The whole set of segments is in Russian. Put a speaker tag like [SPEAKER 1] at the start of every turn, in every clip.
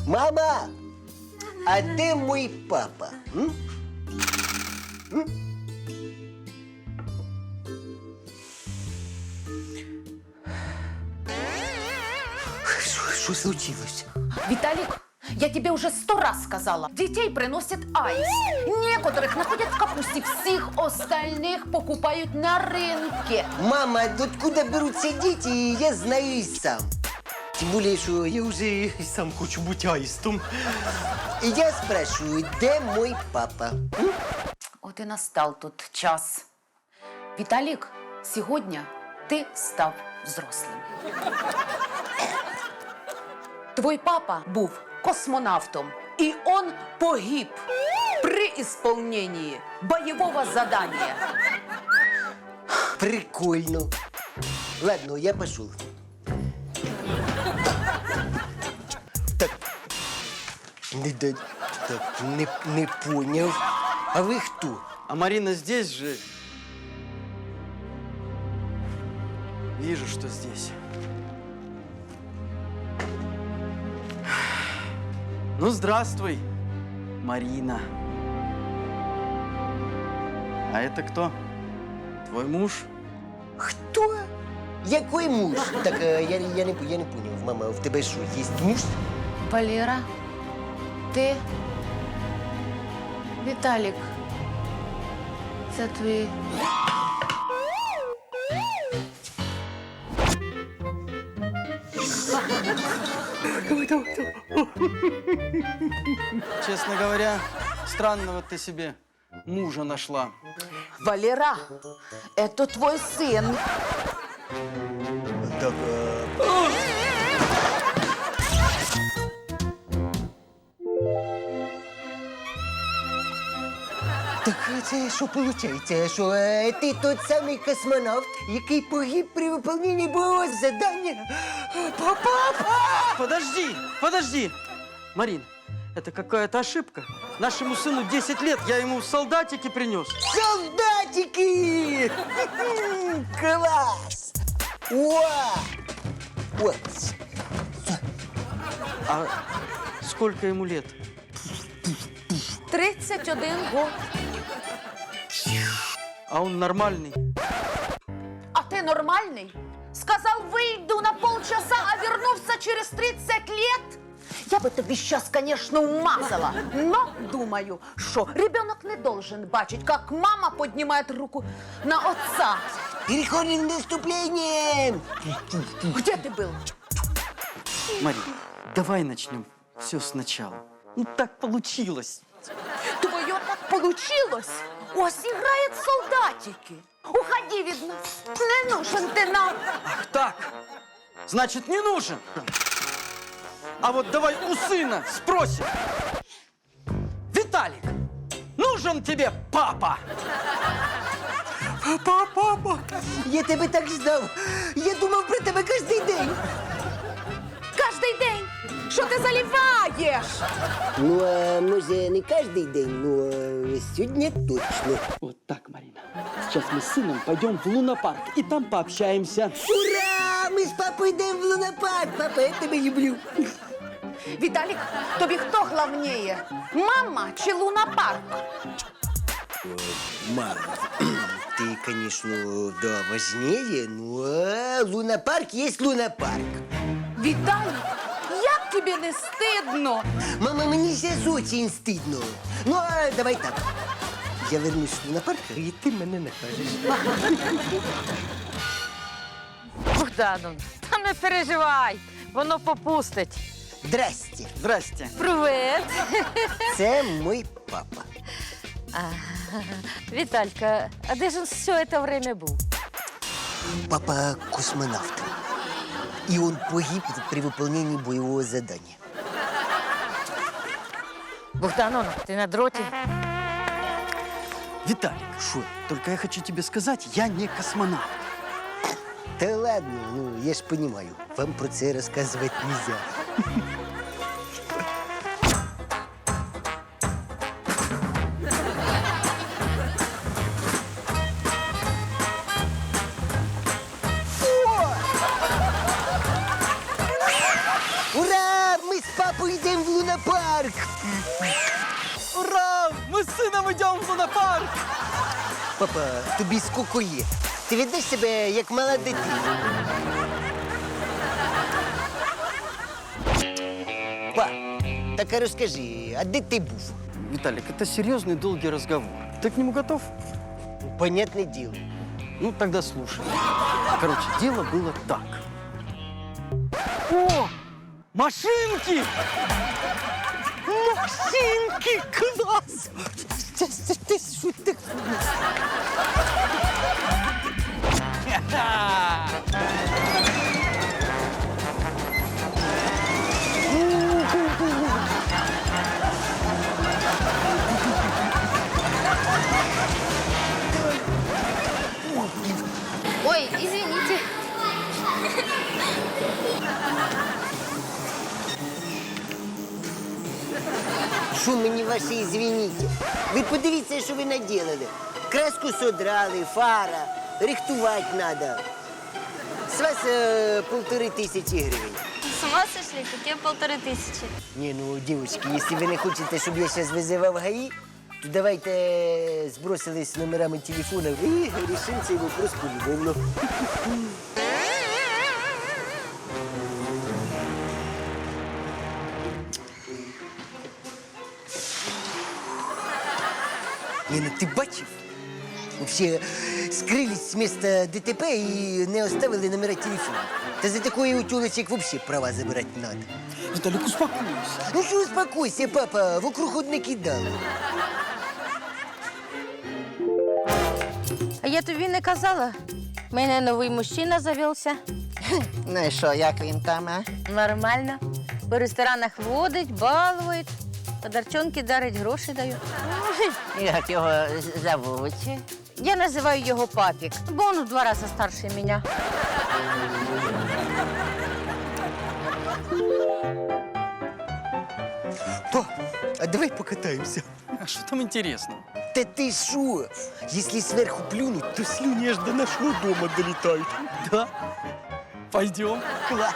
[SPEAKER 1] Мама, а де мій папа? М? Що случилось?
[SPEAKER 2] Виталик, я тебе уже 100 раз сказала. Детей приносит аист. Некоторых находят в капусте, всех остальных покупают на рынке.
[SPEAKER 1] Мама, откуда беруться дети, я знаю и сам. Тем более, что я уже и сам хочу быть аистом. И я спрашиваю, где мой папа?
[SPEAKER 2] Вот и настал тут час. Виталик, сегодня ты став взрослым. Твой папа був космонавтом, и он погиб при исполнении боевого задания.
[SPEAKER 1] Прикольно. Ладно, я пошел. Так, не понял. А вы кто?
[SPEAKER 3] А Марина здесь же? Вижу, что здесь. Ну, здравствуй, Марина. А это кто? Твой муж?
[SPEAKER 1] Кто? Який муж? Так, я не понял. Мама, в тебе що, є муж?
[SPEAKER 2] Валера, ты... Виталик, це твій...
[SPEAKER 3] Честно говоря, странного ты себе мужа нашла.
[SPEAKER 2] Валера, это твой сын.
[SPEAKER 1] Так, Так це що виходить? Що ти тот самий космонавт, який погиб при виконанні бойового завдання? Папа!
[SPEAKER 3] Подожди! Марин, это какая-то ошибка. Нашему сыну 10 лет, я ему солдатики принес.
[SPEAKER 1] Солдатики! Класс! Уа! Вот.
[SPEAKER 3] А сколько ему лет?
[SPEAKER 2] 31 год.
[SPEAKER 3] А он нормальный.
[SPEAKER 2] А ты нормальный? Сказал, выйду на полчаса, а вернулся через 30 лет? Я бы тебе сейчас, конечно, умазала, но думаю, что ребенок не должен бачить, как мама поднимает руку на отца.
[SPEAKER 1] Переходим к наступлениям!
[SPEAKER 2] Где ты был?
[SPEAKER 3] Марин, давай начнем все сначала. Ну так получилось.
[SPEAKER 2] Твое так получилось? Ось играет солдатики. Уходи, видно. Не нужен ты нам.
[SPEAKER 3] Ах так, значит, не нужен. А вот давай у сына спросим. Виталик, нужен тебе папа?
[SPEAKER 1] Папа! Я тебе так ждав! Я думав про тебе кожен день!
[SPEAKER 2] Каждый день. Что ты заливаешь?
[SPEAKER 1] Ну, а може, не кожен день, но сьогодні точно.
[SPEAKER 3] Вот так, Марина. Сейчас мы с сыном пойдем в лунопарк и там пообщаемся.
[SPEAKER 1] Ура! Ми з папою йдемо в лунопарк! Папа, я тебе люблю!
[SPEAKER 2] Виталик, тобі хто главнее? Мама чи лунопарк?
[SPEAKER 1] Мама, ты, конечно, да, важнее, но лунопарк есть лунопарк.
[SPEAKER 2] Виталик, як тобі не стидно?
[SPEAKER 1] Мама, мені сейчас очень стыдно. Ну, а давай так. Я вернусь в лунопарк, и ты мене накажеш.
[SPEAKER 4] Богдану, та не переживай, воно попустить.
[SPEAKER 1] Здрасте.
[SPEAKER 3] Здрасте.
[SPEAKER 4] Привет.
[SPEAKER 1] Це мой папа.
[SPEAKER 4] Віталька, а де ж він все це время був?
[SPEAKER 1] Папа космонавт. И он погиб при выполнении боевого задания.
[SPEAKER 4] Богдану, ти на дроті?
[SPEAKER 3] Виталик,
[SPEAKER 1] Шо?
[SPEAKER 3] только я хочу тебе сказать, я не космонавт.
[SPEAKER 1] Да ладно, ну я ж понимаю, вам про це рассказывать нельзя. Ура! Мы с з папою йдемо в лунопарк.
[SPEAKER 3] Ура! Мы с сыном идем в лунопарк!
[SPEAKER 1] Папа, тобі скільки є? Ти ведеш себе як мала дитина. Па, так а розкажи, а де ти був?
[SPEAKER 3] Виталик, это серьезный долгий разговор. Ты к нему готов?
[SPEAKER 1] Понятне діло.
[SPEAKER 3] Ну, тогда слушай. Короче, дело было так. О! Машинки!
[SPEAKER 1] Машинки, клас! Ти що так?
[SPEAKER 5] Ой, извините.
[SPEAKER 1] Що мені ваші извините? Ви подивіться, що ви наділили. Краску содрали, фара, рихтувати треба. З вас 1500 гривень.
[SPEAKER 5] С ума сошли? Какие 1500?
[SPEAKER 1] Не, ну, девочки, если вы не хотите, чтобы я сейчас вызывал ГАИ, то давайте сбросились номерами телефонов и решим цей вопрос полюбовно. Не, ну ти бачив? Вообще скрылись с места ДТП и не оставили номера телефона. Та за такое у тёлочек вообще права забирать надо.
[SPEAKER 3] Виталик, успокойся.
[SPEAKER 1] Ну що успокойся, папа, вокруг одне кидало.
[SPEAKER 4] А я тобі не казала? У мене новий мужчина завівся.
[SPEAKER 6] Ну і що, як він там, а?
[SPEAKER 4] Нормально. По ресторанах водить, балують, подарчонки дарить, гроші дають.
[SPEAKER 6] Як його зовуть?
[SPEAKER 4] Я називаю його папік, бо він в 2 рази старше мене.
[SPEAKER 1] Па, а давай покатаемся.
[SPEAKER 3] А что там интересного?
[SPEAKER 1] Да ты шо? Если сверху плюнуть, то слюни аж до нашего дома долетают.
[SPEAKER 3] Да? Пойдем.
[SPEAKER 1] Класс.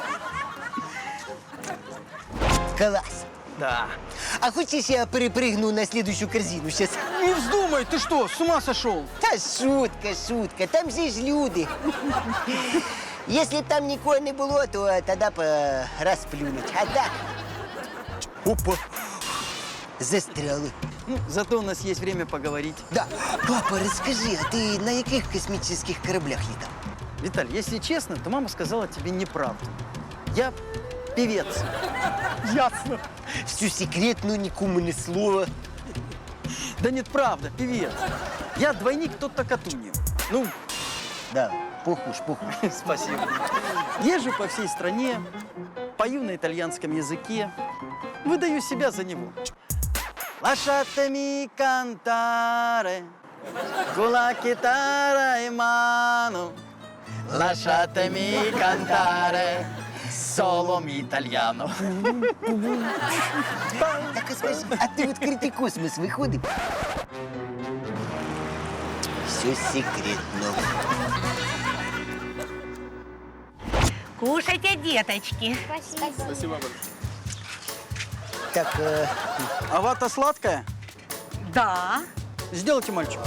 [SPEAKER 1] Класс.
[SPEAKER 3] Да.
[SPEAKER 1] А хочешь, я перепрыгну на следующую корзину сейчас?
[SPEAKER 3] Не вздумай, ты что, с ума сошел?
[SPEAKER 1] Та шутка, шутка. Там же ж люди. Если б там никого не было, то тогда бы расплюнуть. А так... Опа. Застряли.
[SPEAKER 3] Ну, зато у нас есть время поговорить.
[SPEAKER 1] Да. Папа, расскажи, а ты на каких космических кораблях летал?
[SPEAKER 3] Виталий, если честно, то мама сказала тебе неправду. Я певец.
[SPEAKER 1] Ясно. Всю секретную, никому ни слова.
[SPEAKER 3] Да нет, правда, певец. Я двойник Тотто Катуньо. Ну,
[SPEAKER 1] Да, похож.
[SPEAKER 3] спасибо. Езжу по всей стране, пою на итальянском языке, выдаю себя за него. Lasciatemi cantare con la chitarra in mano. Lasciatemi cantare solo italiano.
[SPEAKER 1] Так а скажи, а ты в открытый космос выходишь? Все секретно.
[SPEAKER 7] Кушайте, деточки.
[SPEAKER 1] Так,
[SPEAKER 3] А вата сладкая?
[SPEAKER 7] Да.
[SPEAKER 3] Сделайте мальчику.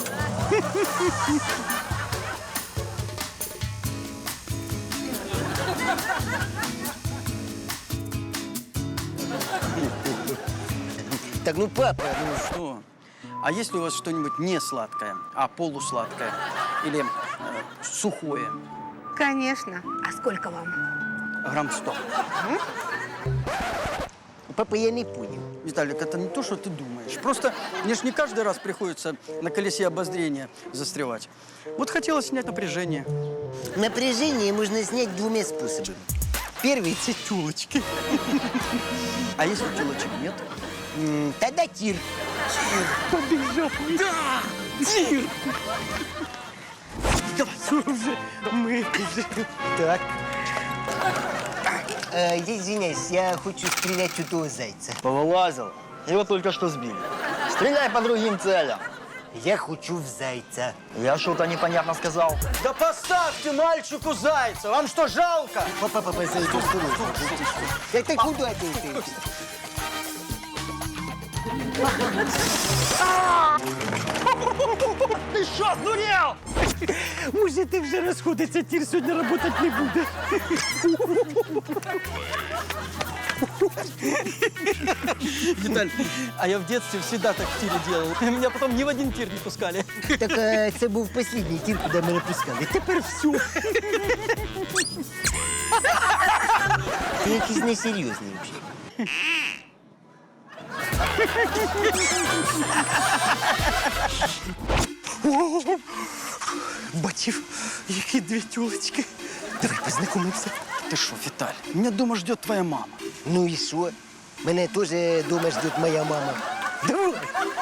[SPEAKER 1] так, ну папа,
[SPEAKER 3] Ну что? А есть ли у вас что-нибудь не сладкое, а полусладкое? Или сухое?
[SPEAKER 7] Конечно. А сколько вам?
[SPEAKER 3] Грамм 100.
[SPEAKER 1] папа, я не понял.
[SPEAKER 3] Виталик, это не то, что ты думаешь. Просто мне ж не каждый раз приходится на колесе обозрения застревать. Вот хотелось снять напряжение.
[SPEAKER 1] Напряжение можно снять 2 способами. Первый – это тёлочки.
[SPEAKER 3] А если телочек нет?
[SPEAKER 1] Тогда тир.
[SPEAKER 3] Побежал. Да! Тир!
[SPEAKER 1] Давай, уже. Мы уже. Так. Я извиняюсь, я хочу стрелять у того зайца.
[SPEAKER 8] Повылазил. Его только что сбили. Стреляй по другим целям.
[SPEAKER 1] Я хочу в зайца.
[SPEAKER 3] Я что-то непонятно сказал. Да поставьте мальчику зайца! Вам что, жалко?
[SPEAKER 1] Папа, зайду с тобой. Это куда ты?
[SPEAKER 3] Ты что, сдурел?
[SPEAKER 1] Може, ти вже розходиться, тір сьогодні працювати не буде.
[SPEAKER 3] Виталь, а я в детстве всегда так в тире делал. Меня потом ни в один тир не пускали.
[SPEAKER 1] Так це був останній тір, куди мене пускали. Тепер все. Ти якийсь несерйозний взагалі.
[SPEAKER 3] Бачив, які дві тюлечки.
[SPEAKER 1] Давай познайомимося.
[SPEAKER 3] Ты что, Виталь, меня дома ждет твоя мама.
[SPEAKER 1] Ну і що? Мене теж вдома ждет моя мама. Давай.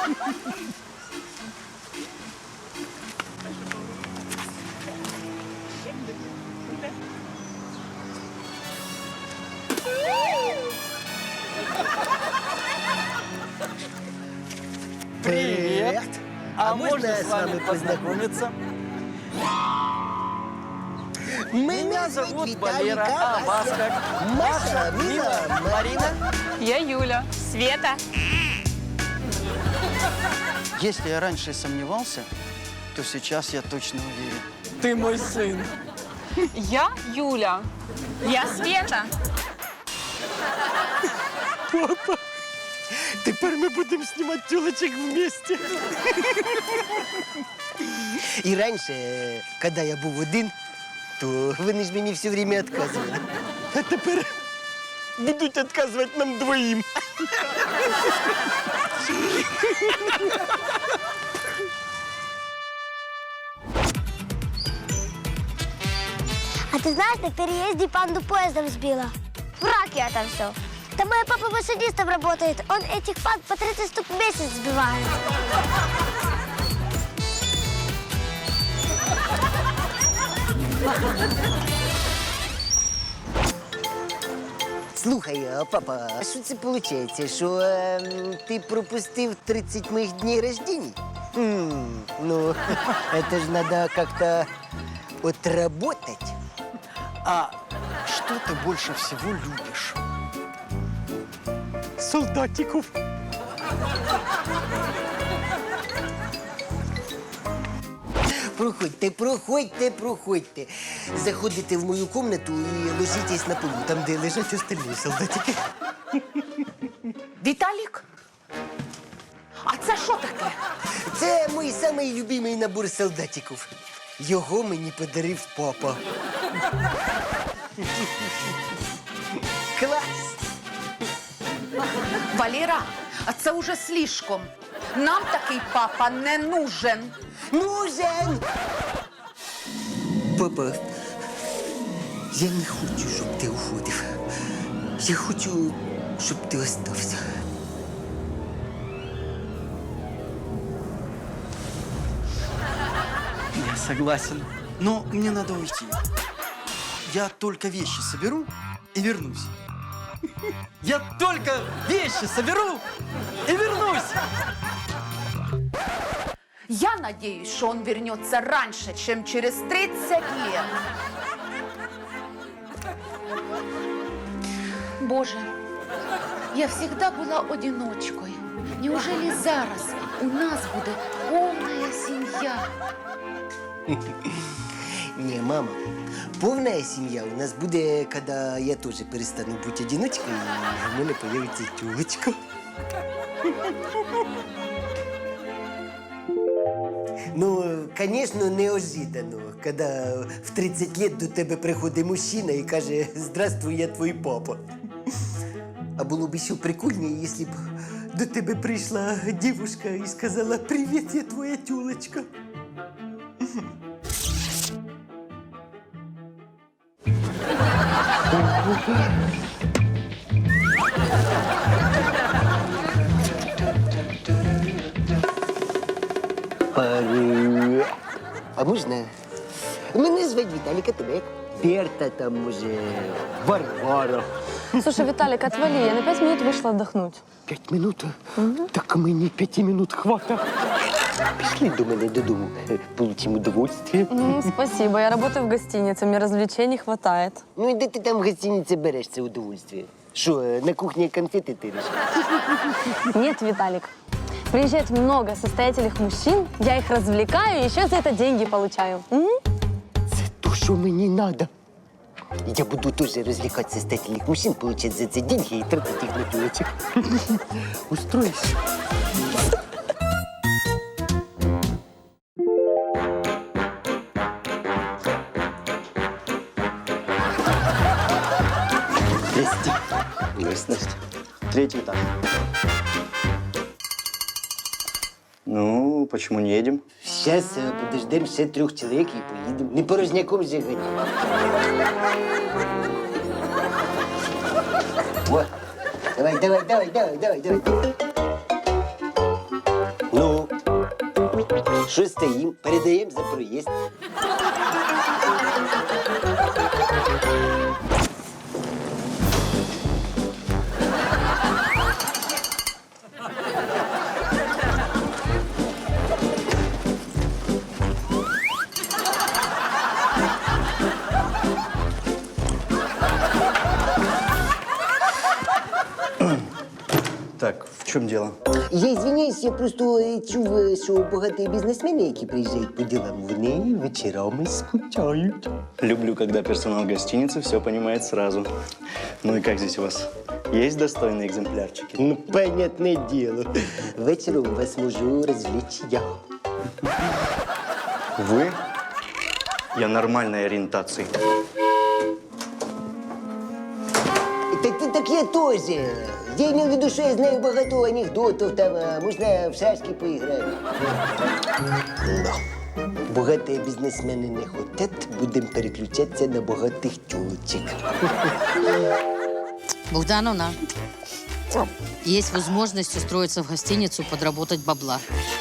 [SPEAKER 3] Привет.
[SPEAKER 1] А можно с вами
[SPEAKER 3] познакомиться?
[SPEAKER 1] Меня
[SPEAKER 3] зовут Валера, а вас как?
[SPEAKER 1] Маша, Мила, Марина.
[SPEAKER 7] Я Юля. Света.
[SPEAKER 3] Если я раньше сомневался, то сейчас я точно уверен. Ты мой сын.
[SPEAKER 7] Я Юля. Я Света.
[SPEAKER 1] Тепер ми будемо знімати тюлечок вместе. І раніше, коли я був один, то вони ж мені все время відказували. А тепер будуть відказувати нам двоїм.
[SPEAKER 8] А ты знаешь, на переезде панду поездом сбила? Враг я там все. Там мой папа машинистом работает. Он этих панд по 30 штук в месяц сбивает.
[SPEAKER 1] Слухай, а, папа, а що це виходить, що ти пропустив 30 моїх днів рождения? Ну, это ж надо как-то отработать.
[SPEAKER 3] А что ты больше всего любишь?
[SPEAKER 1] Солдатиков. Проходьте. Заходите в мою комнату і ложитесь на полу, там, де лежать остальні солдатики.
[SPEAKER 2] Віталік? А це що таке?
[SPEAKER 1] Це мій самий любимий набор солдатиків. Його мені подарив папа. Клас!
[SPEAKER 2] Валера, а це уже слишком. Нам такий папа не нужен.
[SPEAKER 1] Нужен! Папа, я не хочу, щоб ти уходив. Я хочу, щоб ти остався.
[SPEAKER 3] Я согласен. Но мне надо уйти. Я только вещи соберу и вернусь. Я только вещи соберу и вернусь.
[SPEAKER 2] Я надеюсь, что он вернется раньше, чем через 30 лет. Боже, я всегда была одиночкой. Неужели зараз у нас буде повна сім'я?
[SPEAKER 1] Не, мама, повна сім'я у нас буде, коли я теж перестану бути одиночкою, і в мене появиться тюлечка. Ну, звісно, неожиданно, коли в 30 років до тебе приходить мужчина і каже «Здравствуй, я твій папа». А було б ще прикольніше, якщо б до тебе прийшла дівчинка і сказала «Привіт, я твоя тюлечка». А можна? Мене звати Віталік, а тебе як? Берта, там, може, Варвара.
[SPEAKER 9] Слушай, Виталик, отвали, я на 5 минут вышла отдохнуть.
[SPEAKER 1] 5 минут? Так мені 5 минут хвата. Пішли до мене додому, получимо удовольствие.
[SPEAKER 9] Спасибо, я работаю в гостинице, мне развлечений хватает.
[SPEAKER 1] Ну і де ти там в гостиниці береш це удовольствие? Що, на кухні конфети тириш?
[SPEAKER 9] Нет, Виталик. Приезжает много состоятельных мужчин, я их развлекаю и еще за это деньги получаю.
[SPEAKER 1] Це то, що мені надо. Я буду теж розвлекати состоятельних мужчин, получать за це деньги і тратити їх на тілочок. Устроїш? Здрасте.
[SPEAKER 3] Здрасте. Третий этаж. Ну, почему не едем?
[SPEAKER 1] Сейчас подождем ще 3 чоловік і поїдемо. Не порожняком же гані. О, давай. Ну, що стоїм? Передаємо за проїзд.
[SPEAKER 3] Так, в чем дело?
[SPEAKER 1] Я извиняюсь, я просто чув, що багаті бізнесмени, які приїжджають по ділам, вони вечорами скучають.
[SPEAKER 3] Люблю, когда персонал гостиницы все понимает сразу. Ну и как здесь у вас? Есть достойные экземплярчики?
[SPEAKER 1] Ну, понятне діло. Вечором вас можу розвлечь я.
[SPEAKER 3] Вы? Я нормальной ориентации.
[SPEAKER 1] Так я теж. Я имел в виду, що я знаю багато анекдотів, там можна в шашки поіграти. Да. Багаті бізнесмени не хотять, будемо переключатися на багатих тюлочек.
[SPEAKER 10] Богдановна, есть возможность устроиться в гостиницу, подработать бабла.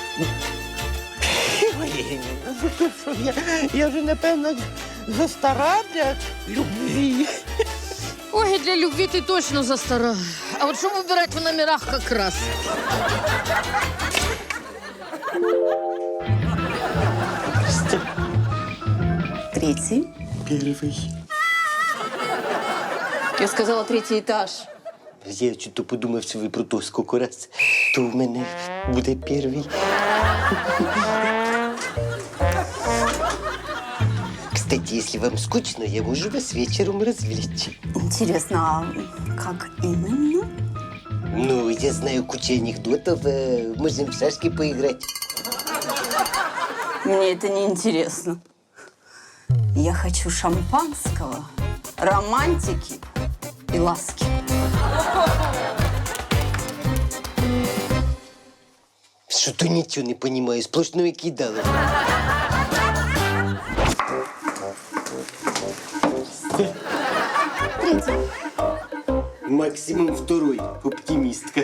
[SPEAKER 1] Я вже, напевно, застара для любві.
[SPEAKER 10] Ой, для любви ты точно застара. А вот что выбирать в номерах как раз?
[SPEAKER 2] Третий.
[SPEAKER 1] Перший.
[SPEAKER 2] Я сказала, 3-й этаж.
[SPEAKER 1] Я чуть подумав, що ви про то скільки раз, то в мене буде перший. Кстати, если вам скучно, я можу вас вечером развлечь.
[SPEAKER 2] Интересно, а как именно?
[SPEAKER 1] Ну, я знаю кучу анекдотов, можем в шашки поиграть.
[SPEAKER 2] Мне это не интересно. Я хочу шампанского, романтики и ласки.
[SPEAKER 1] Что-то ничего не понимаю, сплошное кидало. Максимум 2-й, оптимистка.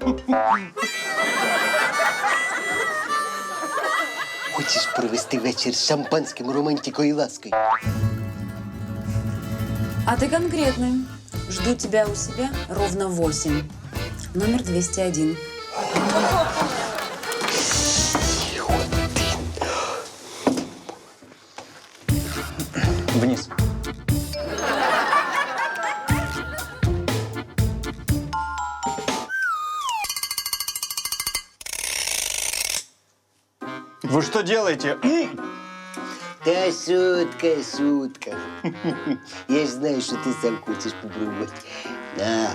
[SPEAKER 1] Хочешь провести вечер с шампанским, романтикой и лаской?
[SPEAKER 11] А ты конкретный. Жду тебя у себя ровно в 8. Номер 201.
[SPEAKER 3] Вниз. Вы что делаете?
[SPEAKER 1] Да шутка. Я ж знаю, что ты сам хочешь попробовать. На.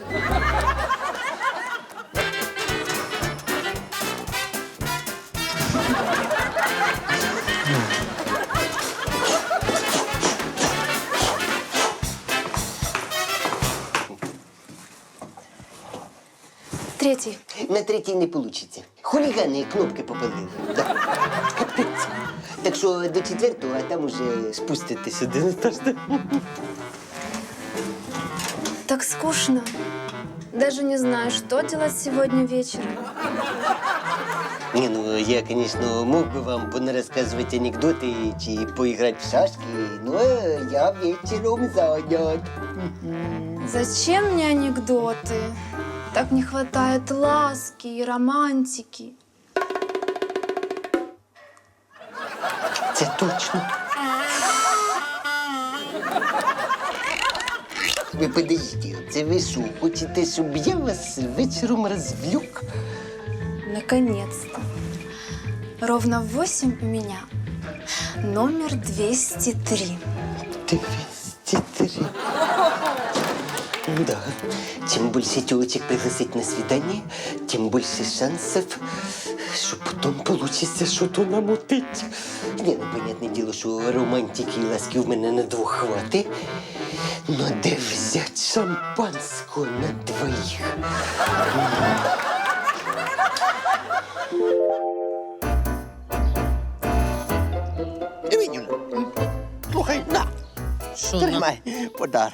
[SPEAKER 11] Третий.
[SPEAKER 1] На 3-й не получится. Хулиганы кнопки попалили. Да. Капец. Так что до 4-го, а там уже спуститесь один этаж.
[SPEAKER 11] Так скучно. Даже не знаю, что делать сегодня вечером.
[SPEAKER 1] Не, ну я, конечно, мог бы вам понарассказывать анекдоты и поиграть в шашки, но я вечером занят.
[SPEAKER 11] Зачем мне анекдоты? Так не хватает ласки и романтики.
[SPEAKER 1] Це точно. Ви подождіть, це ви що, хочете, щоб я вас вечором розвлек?
[SPEAKER 12] Наконец-то. Ровно в 8 у меня номер 203.
[SPEAKER 1] 203. Да. Чем больше телочек пригласить на свидание, тем больше шансов, что потом получится что-то намутить. Не, ну, понятное дело, что романтики и ласки в мене на двох хватит. Но де взять шампанского на двоих?
[SPEAKER 6] Юля, слухай, на,
[SPEAKER 10] Що,
[SPEAKER 6] тримай подарок.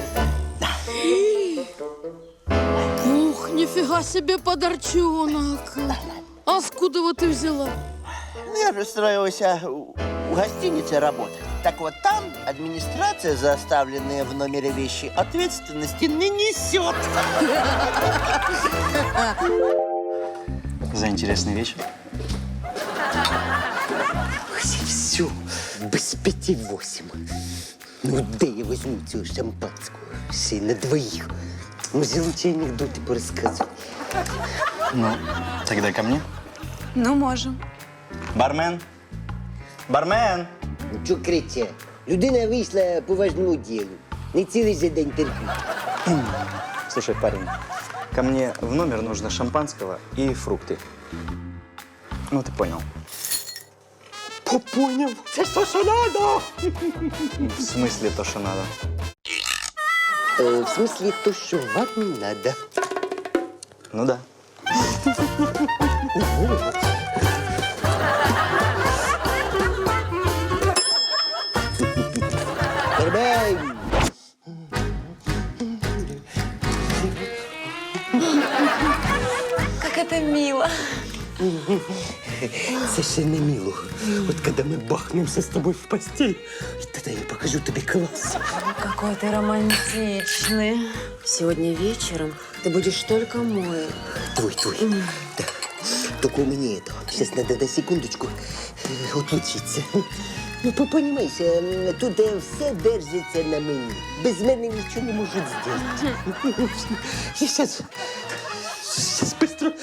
[SPEAKER 13] Ух, нифига себе подарчонок. А откуда его ты взяла?
[SPEAKER 6] Ну, я же устроился в гостинице работать. Так вот там администрация за оставленные в номере вещи ответственности не несет.
[SPEAKER 3] За интересный вечер.
[SPEAKER 1] Все, без 5-8. Ну, де я візьму цього шампанського? Ще й на двоїх. Може, лучше анекдоти порозказуй.
[SPEAKER 3] Ну, тогда ко мне.
[SPEAKER 12] Ну, можем.
[SPEAKER 3] Бармен. Бармен.
[SPEAKER 1] Ну, чого крича? Людина вийшла по важному ділу. Не цілий же день терпіть.
[SPEAKER 3] Слушай, парень, ко мне в номер нужно шампанского и фрукты. Ну, ты понял.
[SPEAKER 1] Поняв. Це що надо?
[SPEAKER 3] В смысле то, что надо?
[SPEAKER 1] В смысле, то, що вам не надо.
[SPEAKER 3] Ну да.
[SPEAKER 1] Карбай!
[SPEAKER 12] Как это мило.
[SPEAKER 1] Це ще не мило. От коли ми бахнемося з тобою в постель, тоді я покажу тобі клас.
[SPEAKER 11] Какой ты романтичный. Сегодня вечером ты будешь только мой.
[SPEAKER 1] Твой. Да. Только у меня это. Сейчас надо на секундочку отлучиться. Ну, понимаешь, тут все держиться на мені. Без мене нічого не можуть зробити. Я сейчас быстро.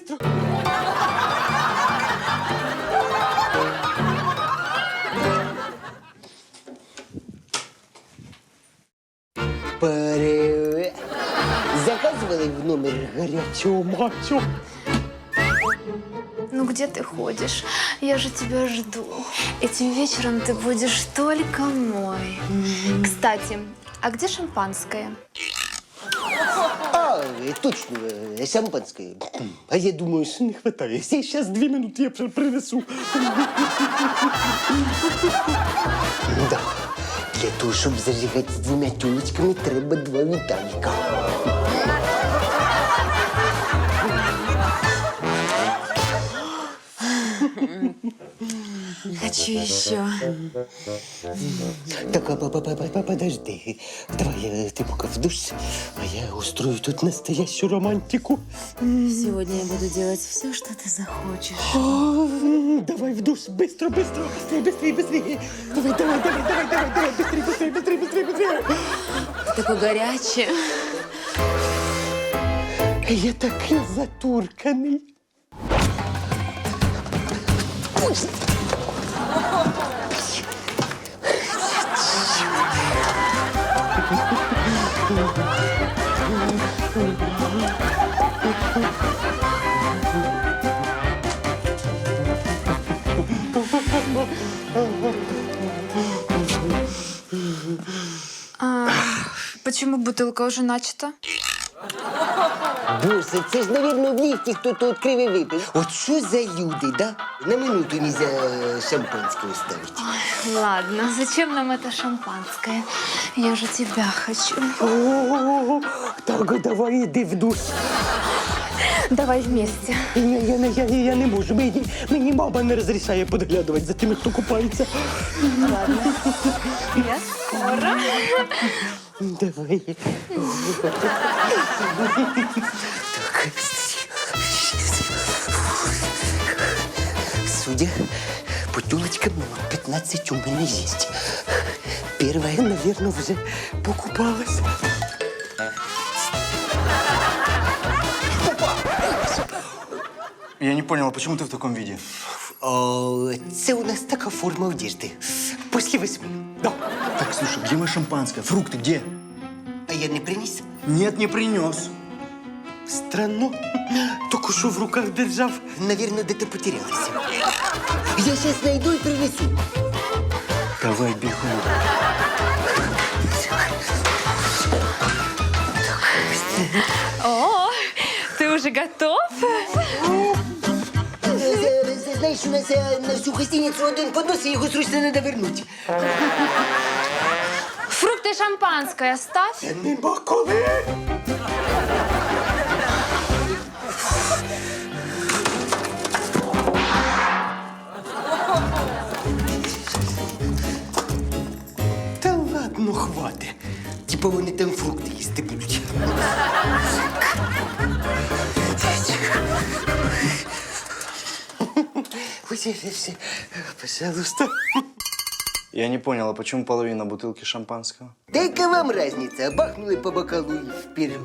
[SPEAKER 1] Привет. Заказывали в номер горячего мачо?
[SPEAKER 12] Ну где ты ходишь? Я же тебя жду. Этим вечером ты будешь только мой. Кстати, а где шампанское?
[SPEAKER 1] А, точно, шампанское. А я думаю, что не хватает. Сейчас 2 минуты я принесу. Да. Для того, щоб зажигати з 2 тілочками, треба 2 Віталіка.
[SPEAKER 12] Хочу еще.
[SPEAKER 1] Так, подожди. Давай ты пока в душ, а я устрою тут настоящую романтику.
[SPEAKER 11] Сегодня я буду делать все, что ты захочешь.
[SPEAKER 1] Давай в душ, быстро. Быстрее. Давай, быстрее.
[SPEAKER 11] Ты такой горячий.
[SPEAKER 1] Я такий затурканий.
[SPEAKER 12] Почему бутылка уже начата?
[SPEAKER 1] Боже, це ж, наверное, в ліфті хто-то відкрив і випив. От що за люди, да? На минуту нельзя шампанського ставити.
[SPEAKER 12] Ладно, зачем нам это шампанское? Я же тебя хочу.
[SPEAKER 1] Так, давай, іди в душ.
[SPEAKER 12] Давай вместе.
[SPEAKER 1] Я не можу. Мені мама не розрішає підглядувати за тими, хто купається.
[SPEAKER 12] Ладно. Я скоро.
[SPEAKER 1] Давай. Так. Судя по Бутылочка номер 15 у меня есть. Первая, наверное, уже покупалась.
[SPEAKER 3] Я не понял, а почему ты в таком виде?
[SPEAKER 1] О, це у нас така форма одежды. После 8. Да.
[SPEAKER 3] Так, слушай, где мое шампанское? Фрукты где?
[SPEAKER 1] А я не принес?
[SPEAKER 3] Нет, не принес.
[SPEAKER 1] Странно. Только что в руках держав. Наверное, где-то потерялась. Я сейчас найду и принесу.
[SPEAKER 3] Давай бегом.
[SPEAKER 7] О, ты уже готов?
[SPEAKER 1] Знаешь, у нас на всю гостиницу один поднос, и его срочно надо вернуть.
[SPEAKER 12] Фрукты и шампанское оставь.
[SPEAKER 1] Нема коли. Та ладно, хватить. Типа вони там фрукти їсти будуть. Ой, пожалуйста.
[SPEAKER 3] Я не понял, а почему половина бутылки шампанского?
[SPEAKER 1] Да яка вам разница? Бахнули по бокалу и вперед.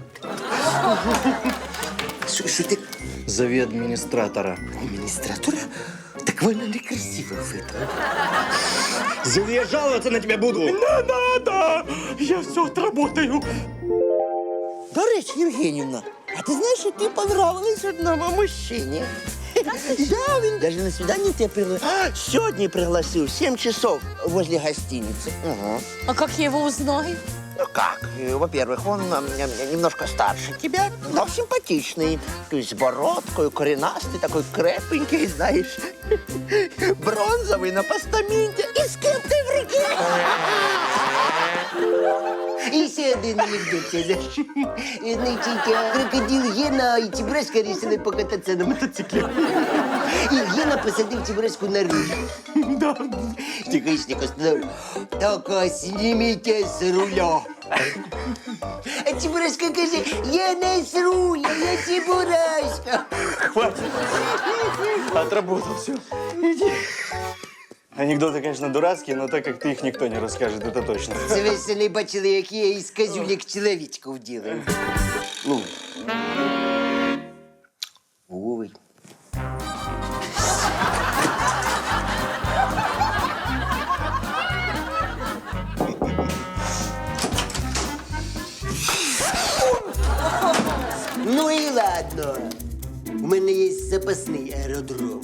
[SPEAKER 1] Что ты?
[SPEAKER 3] Зови администратора.
[SPEAKER 1] Администратора? Так вона некрасиво видно.
[SPEAKER 3] Зови, я жаловаться на тебя буду.
[SPEAKER 1] Не надо! Я все отработаю.
[SPEAKER 6] До речі, Євгенівна, а ти знаєш, що ти понравилась одному мужчині? Да, він даже на свидание тебя пригласил. Сегодня пригласил в 7 часов возле гостиницы. Угу.
[SPEAKER 13] А как я его узнаю?
[SPEAKER 6] Ну как? Во-первых, он немножко старше тебя, но симпатичный. То есть с бородкой, коренастый, такой крепенький, знаешь. Бронзовый на постаменте и с кепкой в руке.
[SPEAKER 1] І ще один анекдот. Значить, крокодил Гена і Чебурашка вирішили покататися на мотоциклі. І Гена посадив Чебурашку на руль. Тихонечко сказав, «Только снимите с руля». А Чебурашка каже, «Я не с руля, я Чебурашка».
[SPEAKER 3] Хватит. Отработал все. Иди. Анекдоты, конечно, дурацкие, но так как ты их никто не расскажет, это точно.
[SPEAKER 1] Це ви ще не бачили, як я із козюлек чоловічків ділаю. Ну. Ой. Ну і ладно. У мене є запасний аеродром.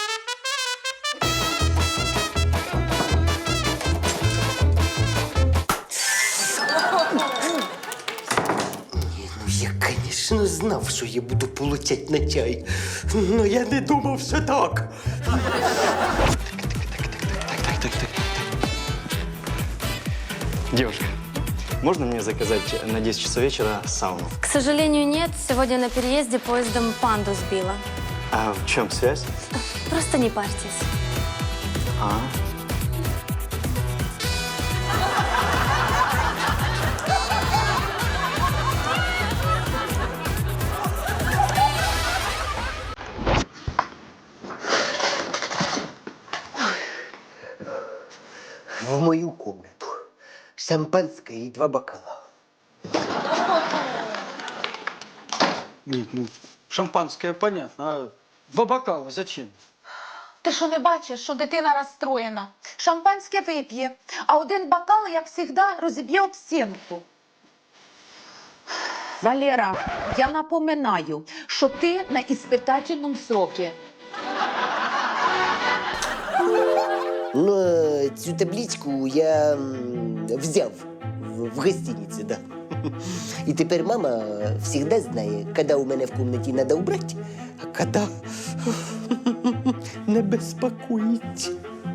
[SPEAKER 1] Я, конечно, знав, що я буду получать на чай. Но я не думав, що так.
[SPEAKER 3] Девушка, можно мне заказать на 10 часов вечера сауну?
[SPEAKER 9] К сожалению, нет. Сегодня на переезде поездом панду сбила.
[SPEAKER 3] А в чем связь?
[SPEAKER 9] Просто не парьтесь.
[SPEAKER 3] А?
[SPEAKER 1] В мою комнату. Шампанское и 2 бокала.
[SPEAKER 14] Нет, ну, шампанское понятно, а 2 бокала зачем?
[SPEAKER 2] Ти що не бачиш, що дитина розстроєна? Шампанське вип'є, а один бокал, як завжди, розіб'є об стінку. Валера, я напоминаю, що ти на іспитательному сроці.
[SPEAKER 1] Но цю табличку я взяв в гостинице, да. І тепер мама завжди знає, коли у мене в кімнаті треба убрати, а коли не безпокоїть.